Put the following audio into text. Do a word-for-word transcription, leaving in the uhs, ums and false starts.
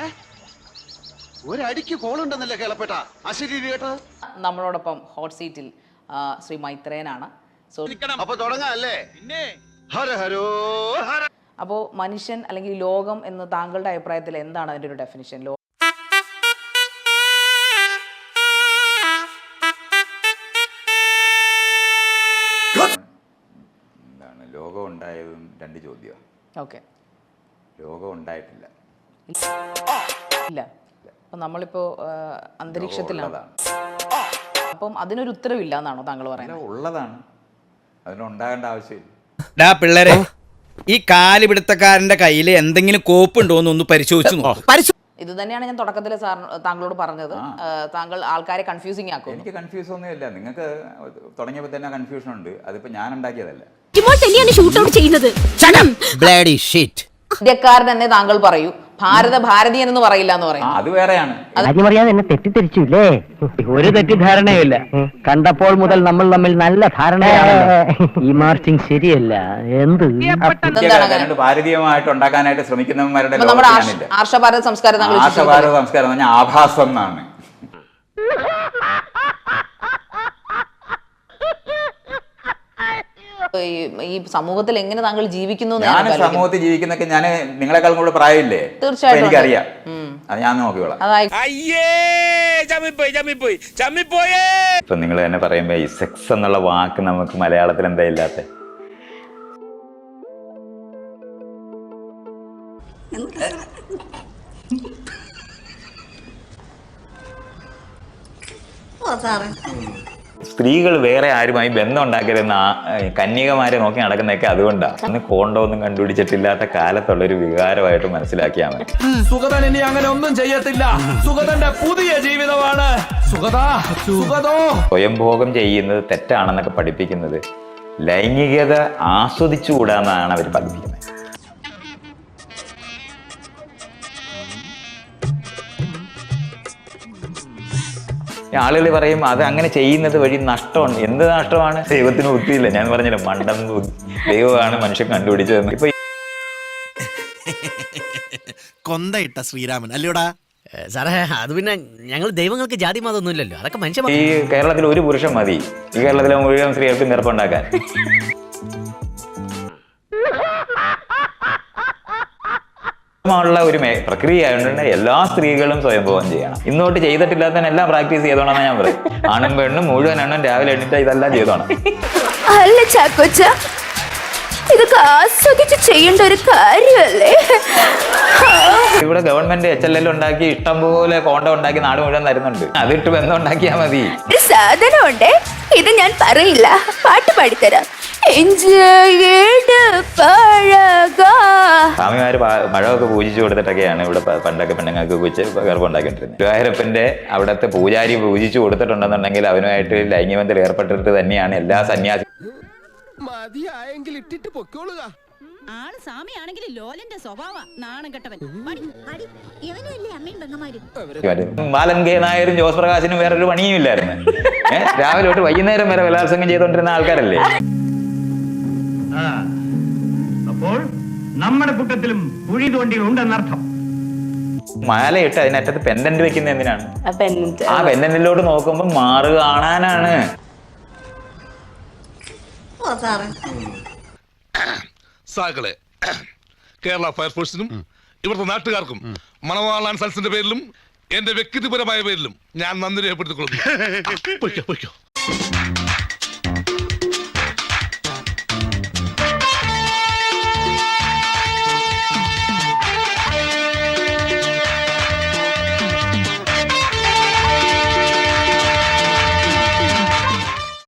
ഒരടിക്ക് കോളുണ്ടെന്നല്ലേ കേളപ്പെട്ട അശരീരി കേട്ടോ. നമ്മളോടൊപ്പം ഹോട്ട് സീറ്റിൽ ശ്രീ മൈത്രേയനാണ്. സോ അപ്പൊ തുടങ്ങാല്ലേ. ഹര ഹരോ ഹര. അപ്പോൾ മനുഷ്യൻ അല്ലെങ്കിൽ ലോകം എന്ന് താങ്കളുടെ അഭിപ്രായത്തിൽ എന്താണ് അതിൻ്റെ ഒരു ഡെഫിനിഷൻ? ലോ എന്താണ് ലോകം ഉണ്ടായതും രണ്ട് ചോദ്യമാണ്. ഓക്കെ, ലോകം ഉണ്ടായിട്ടില്ല. ഇല്ല. അപ്പം നമ്മളിപ്പോൾ അന്തരീക്ഷത്തിലാണ്. അപ്പം അതിനൊരു ഉത്തരവില്ല എന്നാണോ താങ്കൾ പറയുന്നത്? ഉള്ളതാണ്, അതിനുണ്ടാകേണ്ട ആവശ്യമില്ല. ഡാ പിള്ളേരെ, ഈ കാലുപിടുത്തക്കാരന്റെ കയ്യിൽ എന്തെങ്കിലും കോപ്പുണ്ടോ എന്നൊന്ന് പരിശോധിച്ചു നോക്കും. ഇത് തന്നെയാണ് ഞാൻ തുടക്കത്തിൽ സാർ താങ്കളോട് പറഞ്ഞത്. താങ്കൾ ആൾക്കാരെ കൺഫ്യൂസിങ് ആക്കും. എനിക്ക് കൺഫ്യൂസ് ഒന്നുമില്ല. നിങ്ങൾക്ക് തുടങ്ങിയപ്പോൾ തന്നെ കൺഫ്യൂഷൻ ഉണ്ട്. അതിപ്പോ ഞാൻ ഉണ്ടാക്കിയതല്ല. ഇന്ത്യക്കാരൻ തന്നെ താങ്കൾ പറയൂ, ഭാരത ഭാരതീയൻ എന്ന് പറയില്ല എന്ന് പറയും. അത് വേറെയാണ്. അറിയാതെ എന്നെ തെറ്റിദ്ധരിച്ചില്ലേ? ഒരു തെറ്റിദ്ധാരണയുമില്ല. കണ്ടപ്പോൾ മുതൽ നമ്മൾ തമ്മിൽ നല്ല ധാരണയാണ്. ഈ മാർച്ചിങ് ശരിയല്ല. എന്ത് ഭാരതീയമായിട്ട് ഉണ്ടാക്കാനായിട്ട് ശ്രമിക്കുന്നവന്മാരുടെ നമ്മുടെ ആർഷഭാരത സംസ്കാരം ആർഷഭാരത സംസ്കാരം എന്ന് പറഞ്ഞാൽ ആഭാസം എന്നാണ്. ഈ സമൂഹത്തിൽ എങ്ങനെ താങ്കൾ ജീവിക്കുന്നു? ഞാൻ സമൂഹത്തിൽ ജീവിക്കുന്നൊക്കെ ഞാൻ നിങ്ങളെക്കാളും കൂടെ പ്രായമില്ലേ? തീർച്ചയായിട്ടും എനിക്കറിയാം. അത് ഞാൻ നോക്കിക്കോളാം. ഇപ്പൊ നിങ്ങൾ തന്നെ പറയുമ്പോ ഈ സെക്സ് എന്നുള്ള വാക്ക് നമുക്ക് മലയാളത്തിൽ എന്താ ഇല്ലാത്ത? സ്ത്രീകൾ വേറെ ആരുമായി ബന്ധം ഉണ്ടാക്കരുന്ന കന്യകമാരെ നോക്കി നടക്കുന്നതൊക്കെ അതുകൊണ്ടാണ്. അന്ന് കോണ്ടോ ഒന്നും കണ്ടുപിടിച്ചിട്ടില്ലാത്ത കാലത്തുള്ളൊരു വികാരമായിട്ട് മനസ്സിലാക്കിയാൽ മതി. സുഗതൻ ഇനി അങ്ങനെ ഒന്നും ചെയ്യത്തില്ല. സുഗതന്റെ പുതിയ ജീവിതമാണ്. സ്വയംഭോഗം ചെയ്യുന്നത് തെറ്റാണെന്നൊക്കെ പഠിപ്പിക്കുന്നത് ലൈംഗികത ആസ്വദിച്ചുകൂടാന്നാണ് അവർ പഠിപ്പിക്കുന്നത്. ആളുകൾ പറയും അത് അങ്ങനെ ചെയ്യുന്നത് വഴി നഷ്ടമാണ്. എന്ത് നഷ്ടമാണ്? ദൈവത്തിന് ബുദ്ധിയില്ല. ഞാൻ പറഞ്ഞില്ല, മണ്ടൻ ദൈവമാണ് മനുഷ്യൻ കണ്ടുപിടിച്ചതെന്ന്. ഇപ്പൊ കൊന്തയിട്ട ശ്രീരാമൻ അല്ലയോടാ സാറേ? അത് പിന്നെ ഞങ്ങൾ ദൈവങ്ങൾക്ക് ജാതി മതമൊന്നും ഇല്ലല്ലോ. അതൊക്കെ മനുഷ്യ. ഈ കേരളത്തിൽ ഒരു പുരുഷൻ മതി ഈ കേരളത്തിലെ മുഴുവൻ സ്ത്രീകൾക്ക് നിറപ്പുണ്ടാക്കാൻ. ുള്ള ഒരു പ്രക്രിയ ആയതുകൊണ്ട് എല്ലാ സ്ത്രീകളും സ്വയംഭോഗം ചെയ്യണം. ഇന്നോട്ട് ചെയ്തിട്ടില്ലാത്തതിന് എല്ലാം പ്രാക്ടീസ് ചെയ്തോണെന്നാണ് ഞാൻ പറയും. ആണും പെണ്ണും മുഴുവൻ എണ്ണം രാവിലെ എണ്ണിട്ട് ഇതെല്ലാം ചെയ്തോണം. അല്ല ചാക്കോച്ച, ഇതൊക്കെ ആസ്വദിച്ച് ചെയ്യേണ്ട ഒരു കാര്യമല്ലേ? ഇവിടെ ഗവൺമെന്റ് എച്ച് എൽ എൽ ഉണ്ടാക്കി ഇഷ്ടം പോലെ കോണ്ട ഉണ്ടാക്കി നാട് മുഴുവൻ തരുന്നുണ്ട്. അതിട്ട് ബന്ധം ഉണ്ടാക്കിയാൽ മതി. ഒരു സാധനം ഉണ്ടേ, ഇത് ഞാൻ പറയില്ല, പാട്ട് പാടിത്തരാം. സ്വാമിമാര് മഴമൊക്കെ പൂജിച്ചു കൊടുത്തിട്ടൊക്കെയാണ് ഇവിടെ പണ്ടൊക്കെ പെണ്ണുങ്ങൾക്ക് കുറിച്ച് ഗർഭം ഉണ്ടാക്കിയിട്ടിരുന്നത്. ഗുരുവായൂരപ്പന്റെ അവിടുത്തെ പൂജാരി പൂജിച്ചു കൊടുത്തിട്ടുണ്ടെന്നുണ്ടെങ്കിൽ അവനുമായിട്ട് ലൈംഗികബന്ധത്തിൽ ഏർപ്പെട്ടിട്ട് തന്നെയാണ് എല്ലാ സന്യാസി. ആള് സ്വാമിയാണെങ്കിൽ ലോലന്റെ സ്വഭാവ നാണം കെട്ടവൻ. ബാലൻ കെ നായരും ജോസ് പ്രകാശിനും വേറൊരു പണിയും ഇല്ലായിരുന്നു. ഏഹ് രാവിലെ തൊട്ട് വൈകുന്നേരം വരെ ബലാത്സംഗം ചെയ്തോണ്ടിരുന്ന ആൾക്കാരല്ലേ. അപ്പോൾ നമ്മുടെ കൂട്ടത്തിലും കുഴി തോണ്ടി ഉണ്ടെന്നർത്ഥം. മാലയിട്ട് അതിനകത്ത് പെൻഡന്റ് വെക്കുന്ന എന്തിനാണ്? ആ പെൻഡന്റിലോട്ട് നോക്കുമ്പോ മാറ് കാണാനാണ്. സാകളെ കേരള ഫയർഫോഴ്സിനും ഇവിടുത്തെ നാട്ടുകാർക്കും മണവാളാൻ സൽസിന്റെ പേരിലും എന്റെ വ്യക്തിപരമായ പേരിലും ഞാൻ നന്ദി രേഖപ്പെടുത്തിക്കൊള്ളുന്നു.